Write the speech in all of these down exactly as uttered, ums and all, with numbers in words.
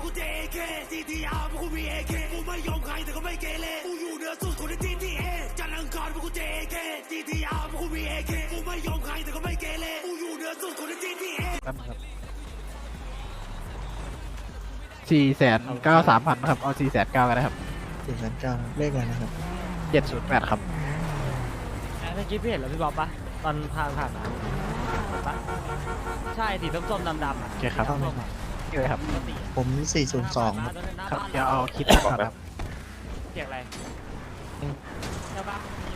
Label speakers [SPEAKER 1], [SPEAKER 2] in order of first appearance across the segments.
[SPEAKER 1] กูเจเคซีทีอาร์กูมีเอเคกูไม่ยอมใครแต่ก็ไม่เกเรกูอยู่เหนือสุดคนในทีทีเอจันทร์อังคารกูเจเคซีทีอาร์กูมีเอเคกูไม่ยอมใครแต่ก็ไม่เกเรกูอยู่เหนือสุดคนในทีทีเอ
[SPEAKER 2] สี่แสนเก้าสามพันครับเอาสี่แสนเก้ากันนะครับ
[SPEAKER 3] สี่แสนเก้าเลขอะไรนะครับ
[SPEAKER 2] เจ็ดศูนย์แปดครับ
[SPEAKER 4] เมื่อกี้พี่เห็นแล้วพี่บ๊อบปะตอนผ่านผ่านมาเห็นปะใช่สีส้มๆดำๆอ่ะ
[SPEAKER 2] โอเคครับนี่เลยครับ
[SPEAKER 4] ปกติ
[SPEAKER 3] ผมสี่ศูนย์สองครับ
[SPEAKER 2] ครับเดี๋ยวเอาคิดก่อนครับ
[SPEAKER 4] เสียงอะไรใช่ปะ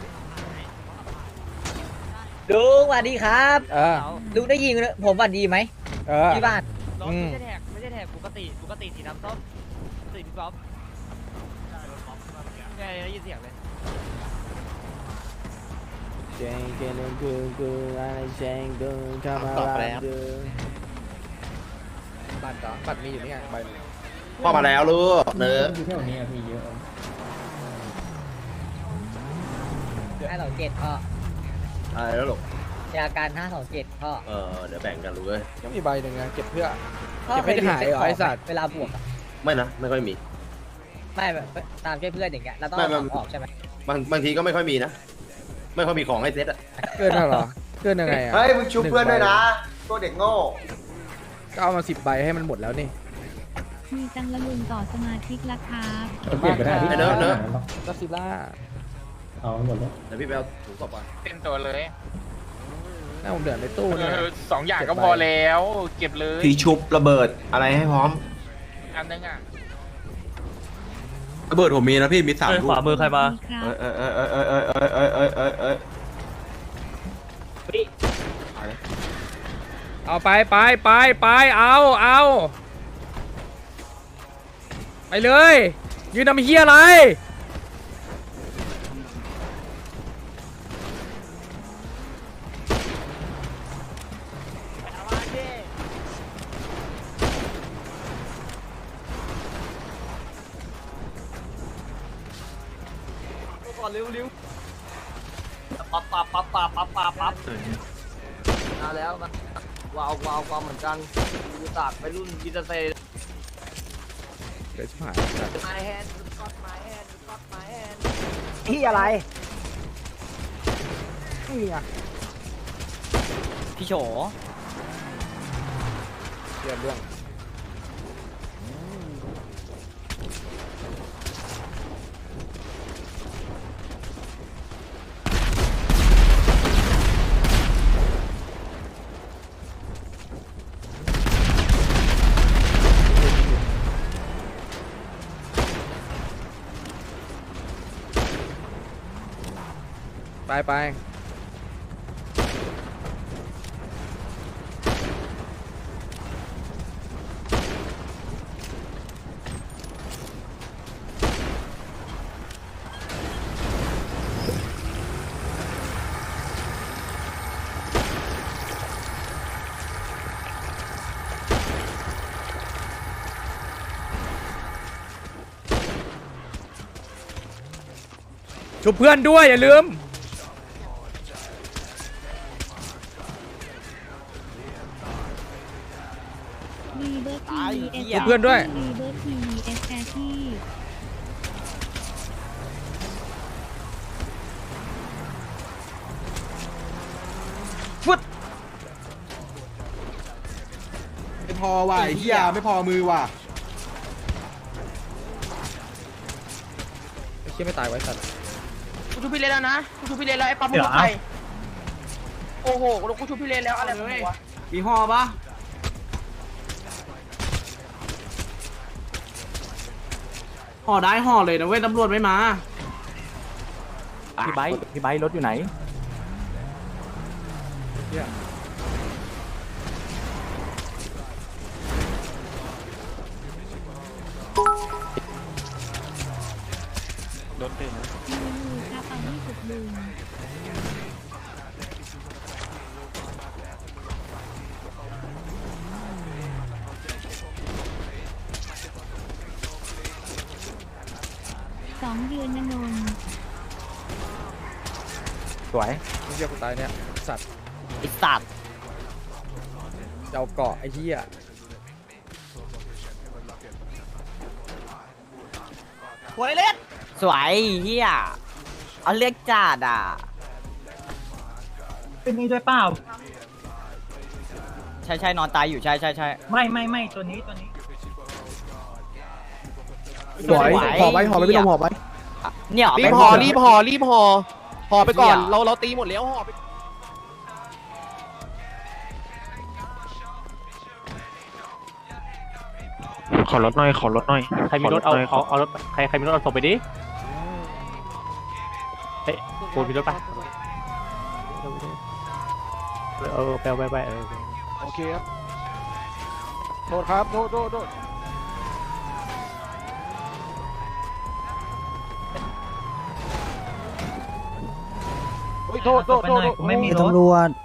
[SPEAKER 5] ลุงสวัสดีครับ
[SPEAKER 6] เออ
[SPEAKER 5] ลุงได้ยินผมสวัสดีไหม
[SPEAKER 6] เออ
[SPEAKER 5] ที่บ้าน
[SPEAKER 4] รถไม่ใช่แท็กไม่ใช่แท็กปกติปกติสีน้ำส้มสีพี่บ๊อบไงได้ยินเสียงเลย
[SPEAKER 6] เจงเจงกูกูอะไรเจงกูเข้ามา
[SPEAKER 2] ตอบไปแล้ว
[SPEAKER 6] บัตรเหรอบัตรมีอยู่นี่ไงใบหนึ่ง
[SPEAKER 7] พ่อมาแล้วลูกเนื้อ
[SPEAKER 5] ห้าสองเจ็ดพ่อ
[SPEAKER 7] อะไรแล้วลูก
[SPEAKER 5] ยาการห้าสองเจ็ดพ่อ
[SPEAKER 7] เออเดี๋ยวแบ่งกันลูกเอ้ย
[SPEAKER 6] ก็มีใบหนึ่งไงเก็บเพื่อ
[SPEAKER 5] พ่อ
[SPEAKER 6] เก็บไม่ได้หายเหรอไอ้สัตว์
[SPEAKER 5] เวลาบวกอะ
[SPEAKER 7] ไม่นะไม่ค่อยมี
[SPEAKER 5] ไม่แบบตามช่วยเพื่อนอย่างเงี้ยเราต้อง
[SPEAKER 7] ไม่
[SPEAKER 5] เอา
[SPEAKER 7] ไม่
[SPEAKER 5] ของออกใช่ไหม
[SPEAKER 7] บางบางทีก็ไม่ค่อยมีนะ ไม่ค่อยมีของให้เซ็ตอ่ะ
[SPEAKER 6] เกินแล้วเหรอเกินยังไงอ่ะ
[SPEAKER 8] เฮ้ยมึงชุบเพื่อนด้วยนะตัวเด็กโง่
[SPEAKER 6] ก็เอามาสิบใบให้มันหมดแล้วนี่
[SPEAKER 9] มีตังละลุงต่อสมาชิกละครับ
[SPEAKER 6] เปลี่ยนไปได้
[SPEAKER 7] ไอ้เนื้อะเนื้อะ
[SPEAKER 6] ก็ซิล่า
[SPEAKER 7] เดี๋ยวพี่ไปเอาถุงต่อไป
[SPEAKER 10] เป็นตัวเลย
[SPEAKER 6] หน้าผมเดือดในตู้เนี่ย
[SPEAKER 10] เออสองอย่างก็พอแล้ว เก็บเลย
[SPEAKER 7] พี่ชุบระเบิดอะไรให้พร้อม
[SPEAKER 10] อันนึงอ่ะ
[SPEAKER 7] ระเบิดผมมีนะพี่มีสามลูก
[SPEAKER 4] ขวามือใครมา
[SPEAKER 9] ครับ
[SPEAKER 7] เออเออเออเออเออเออเออเออเออเออ
[SPEAKER 6] เอาไปไปไปไปเอาเอาไปเลยยืนทำเฮียอะไร
[SPEAKER 4] ก่อนเร็วๆปั๊บปั๊บปั๊บปั๊บปั๊บปั๊บปั๊บมาแล้วนะว้าวว้าวว้าวเหมือนกันยูตากไปรุ่นยิตาเซ
[SPEAKER 6] เดี๋ยวชิบหาย
[SPEAKER 4] My hand got my hand got my hand
[SPEAKER 5] ที่อะไร
[SPEAKER 4] พี่โฉ
[SPEAKER 6] เรียบร่วง ไปไปชุบเพื่อนด้วยอย่าลืม
[SPEAKER 9] รีเบิร์ทีเอส
[SPEAKER 6] ชุบเพื่อนด้วย
[SPEAKER 9] รีเบิร์ทีเอสแอที่
[SPEAKER 8] ไม่พอว่ะไอ้เหี้ยไม่พอมือว่ะ
[SPEAKER 6] ไอ้เชี่ยไม่ตายไว้สัตว์
[SPEAKER 10] กูชูพี่เลนแล้วนะกูชูพี่เลนแล้วไอ้ปั๊มมึงบอกใครโอ้โหกูชูพี่เลนแล้วอะไรของมึงวะ
[SPEAKER 8] มีห่อปะห่อได้ห่อเลยนะเว้ยตำรวจไม่มา
[SPEAKER 4] พี่ไบค์พี่ไบค์รถอยู่ไหน
[SPEAKER 9] ลุงครับเอาที่สุดลุงสองเดือนนะนนท์
[SPEAKER 4] สวย
[SPEAKER 6] ไม่เชี่ยกูตายเนี่ยสัตว์
[SPEAKER 4] ไอ้สัตว์
[SPEAKER 6] จะเอาเกาะไอ้เหี้ย
[SPEAKER 4] หัวเล็ด
[SPEAKER 5] สวยเฮียเอาเรียกจัดอ่ะ
[SPEAKER 11] เป็นนี่ด้วยเปล่า
[SPEAKER 5] ใช่ใช่นอนตายอยู่ใช่ใช่ใช่
[SPEAKER 11] ไม่ไม่ไม่ตัวนี้ตัวนี้
[SPEAKER 6] สวยหอไปหอไปพี่ลมหอไป
[SPEAKER 5] เนี่ย
[SPEAKER 6] รีบหอรีบหอรีบหอหอไปก่อนเราเราตีหมดแล้วหอไป
[SPEAKER 11] ขอรถหน่อยขอรถหน่อยใครมีรถเอาเอาเอารถใครใครมีรถเอาส่งไปดิเฮ้ยปูนมีรถปะเออไปไปไปเออ
[SPEAKER 2] โอเคครับโทษครับโทษโทษโทษโอ้ยโทษโทษโทษไม่มีรถ
[SPEAKER 3] ตำรวจ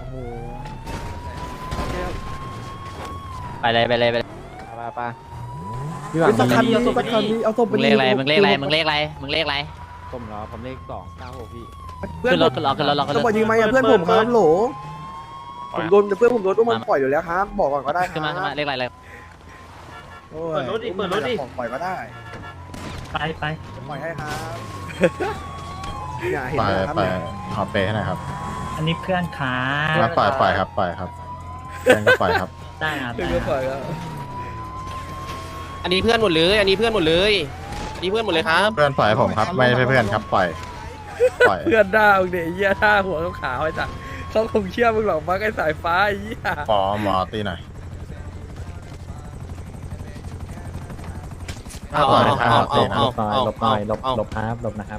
[SPEAKER 5] ไปเลยไปเลยไปเลย
[SPEAKER 2] ไปไป
[SPEAKER 6] พี่หวังสักคันนี้สักคันนี้เอาศพไป
[SPEAKER 5] มึงเลขอะไรมึงเลขอะไรมึงเลขอะไรมึงเลขอะไร
[SPEAKER 2] ผมเหรอผมเลขสองเก้าหกพี่
[SPEAKER 5] ขึ้นรถขึ้นรถขึ้นรถขึ้นรถ
[SPEAKER 6] ต้องบอกยิงไหมอ่ะเพื่อนผมครับโหลผมโดนเพื่อนผมโดนอุ้มมันปล่อยอยู่แล้วครับบอกก่อนก็ได้
[SPEAKER 5] ขึ้นมาขึ้นมาเลขอะไรเลย
[SPEAKER 6] เปิดรถดิเปิดรถดิปล่อยก็ได้
[SPEAKER 11] ไปไป
[SPEAKER 6] ปล่อยให้ครับอย่าเห็น
[SPEAKER 12] ปล่อย
[SPEAKER 6] นะครับ
[SPEAKER 12] ปล่อยขอเปย์ให้หน่อยครับ
[SPEAKER 11] อันนี้เพื่อนขา
[SPEAKER 12] แล้วปล่อยปล่อยครับปล่อยครับเพื่อนก็ปล่อยครับ
[SPEAKER 11] ได้ครับ
[SPEAKER 6] เพื่อนก็ปล่อยแล้ว
[SPEAKER 8] อันนี้เพื่อนหมดเลยอันนี้เพื่อนหมดเลยอันนี้เพื่อนหมดเลยครับ
[SPEAKER 12] เพื่อนปล่อยให้ผมครับไม่ใช่เพื่อนครับปล่อยปล่อย
[SPEAKER 6] เพื่อนด่ามึงเดี๋ยวเหี้ยด่าหัวขาวไอ้สัสเขาคงเชื่อมึงหรอกมั้งไอ้สายฟ้าไอ้เหี้ย
[SPEAKER 12] ขอหมอตีหน่อย
[SPEAKER 8] เอาเอาเอาเอาเอาเอา
[SPEAKER 11] หลบหน่อยหลบหลบครับหลบนะครับ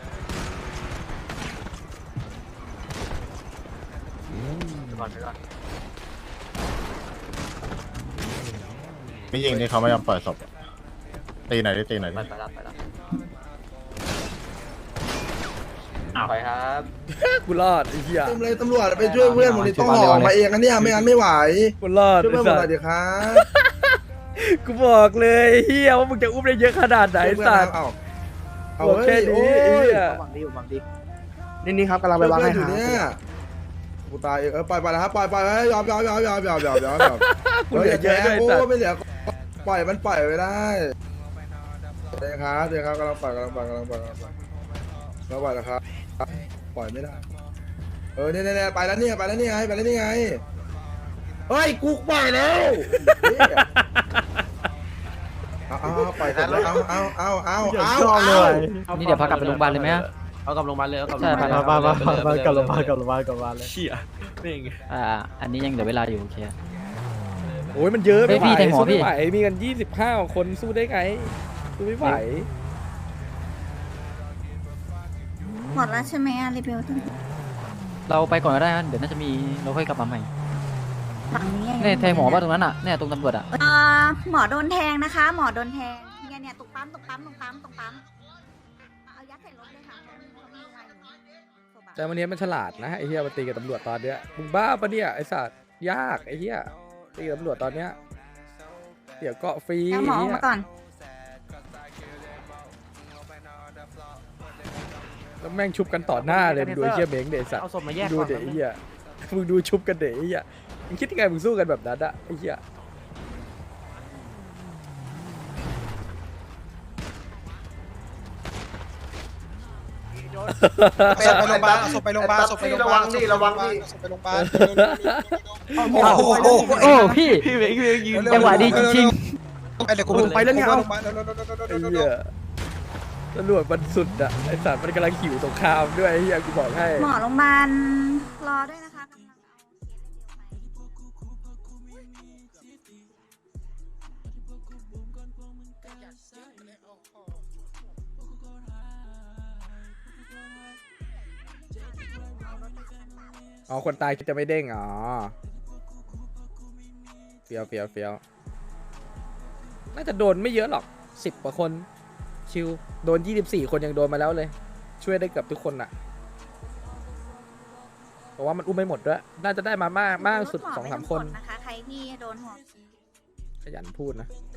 [SPEAKER 12] ไม่ยิงนี่เขาไม่ยอมปล่อยศพตีหน่อยดิตีหน่อยดิ
[SPEAKER 4] ไปแล้วไปแล้ว
[SPEAKER 8] ไปครับ
[SPEAKER 6] กูรอดไอ้เหี้ย
[SPEAKER 3] เลยตำรวจไปช่วยเพื่อนผมนี่ต้องห่อมาเองอันนี้ไม่งั้นไม่ไหว
[SPEAKER 6] กูรอด
[SPEAKER 3] ช่วย
[SPEAKER 6] ไอ้
[SPEAKER 3] เพื่อนผม
[SPEAKER 6] สั
[SPEAKER 3] หน่
[SPEAKER 6] ส
[SPEAKER 3] อยดิครับ
[SPEAKER 6] กูบอกเลยไอ้เหี้ยว่ามึงจะอุ้มได้เยอะขนาดไหนไอ้สัส
[SPEAKER 3] เอาเอา
[SPEAKER 6] บอกแค่
[SPEAKER 3] เฮ้ย
[SPEAKER 6] นี้
[SPEAKER 3] โอ้
[SPEAKER 6] ไอ้
[SPEAKER 3] ย
[SPEAKER 6] เหี้ยนี่นี่ครับกำลังไปวางให้
[SPEAKER 3] อยู่
[SPEAKER 6] หา
[SPEAKER 3] เนี่ยกูตายเออปล่อยไปแล้วครับปล่อยปล่อยยอมยอมยอมยอมยอมยอมยอมยอม
[SPEAKER 6] กูเหลือเยอะด้วยไอ้
[SPEAKER 3] โอ้
[SPEAKER 6] สัส
[SPEAKER 3] ไม่เหลือปล่อยมันปล่อยไม่ได้เดี๋ยวครับเดี๋ยวครับกำลังปล่อยกำลังปล่อยกำลังปล่อยกำลังปล่อยแล้วปล่อยนะครับปล่อยไม่ได้เออเนี่ยเนี่ยไปแล้วเนี่ยไปแล้วนี่ไงไปแล้วนี่ไงเฮ้ยกูปล่อยแล้วเอาเอาปล่อยกันแล้วเอาเอาเอาเอาเอาเอา
[SPEAKER 5] นี่เดี๋ยวพากลับไปโรงพยาบาลเลยไหม
[SPEAKER 8] เอากลับโรงพยาบาลเลยเอากลับ
[SPEAKER 5] ใช่พา
[SPEAKER 2] มามามามากับโรงพยาบาลกับโรงพยาบาลกับโรงพยาบาลเลย
[SPEAKER 8] เชี่ยนี่ไง
[SPEAKER 5] อ่าอันนี้ยังเหลือเวลาอยู่โอเค
[SPEAKER 6] โอ้ยมันเยอะไม่ไหว
[SPEAKER 5] เฮ้ยพี่แทงหมอ
[SPEAKER 6] สู้
[SPEAKER 5] พี่
[SPEAKER 6] ไม่ไหวมีกันยี่สิบห้าคนสู้ได้ไงสู้ไม่ไหว
[SPEAKER 9] หมดแล้วใช่ไหมอะรีเบลทั้ง
[SPEAKER 5] เราไปก่อนก็ได้นะเดี๋ยวน่าจะมีเราค่อยกลับมาใหม่
[SPEAKER 9] ฝั่งนี้
[SPEAKER 5] เนี่ยแทงหมอป่ะตรงนั้นอ่ะเนี่ยตรงตำรวจอ่ะ
[SPEAKER 9] เอ่อหมอโดนแทงนะคะ หมอโดนแทงเนี่ยเนี่ยตรงปั๊มตรงปั๊มตรงปั๊มตรงปั๊มเอายัดใส่รถเลยค่ะเขามีอะไรอยู่
[SPEAKER 6] แต่วันนี้มันฉลาดนะไอ้เหี้ยมันตีกับตำรวจตอนเนี้ยมึงบ้าปะเนี่ยไอ้สัตว์ยากไอ้เหี้ยตีกับตำรวจตอนเนี้ยเดี๋ยวเกาะฟรี
[SPEAKER 9] เอาหมอออกมาก่อน
[SPEAKER 6] แล้วแม่งชุบกันต่อหน้าเลยมึงดูไอ้เหี้ยเม้งเดไอ้สัตว์
[SPEAKER 8] เอาศพมาแยก
[SPEAKER 6] ดู
[SPEAKER 8] ก่อน
[SPEAKER 6] เดไอ้เหี้ยมึงดูชุบกันเดไอ้เหี้ยมึงคิดยังไงมึงสู้กันแบบนั้นอะไอ้เหี้ย
[SPEAKER 3] ไปโรงพยาบาลศพไปโรงพยาบาลศพไปโรงพยาบาลนี่ระวังนี่ศพไปโรงพยาบาลโอ้โห
[SPEAKER 5] โอ้พี่
[SPEAKER 8] พี่เวงพี่เวงยืน
[SPEAKER 5] จังหวะดีจริง
[SPEAKER 3] ไอเดี๋ยวกูไปแล้วเนี่ยเอา
[SPEAKER 6] ไอ้เหี้ยตำรวจมันสุดอะไอ้สัตว์มันกำลังหิวสงครามด้วยไอ้เหี้ยกูบอกให้
[SPEAKER 9] หมอโรงพยาบาลรอด้วยนะคะกำลังเอาเคสเร็วไป
[SPEAKER 6] อ๋อคนตายจะไม่เด้งอ๋อเฟียวเฟียวเฟียวน่าจะโดนไม่เยอะหรอกสิบกว่าคนชิวโดนยี่สิบสี่คนยังโดนมาแล้วเลย ช่วยได้เกือบทุกคนอะเพราะว่ามันอุ้มไม่หมดด้วยน่าจะได้มามากมากสุดสองสามคน
[SPEAKER 9] นะคะใครที่โดนหัว
[SPEAKER 6] ขยันพูดนะ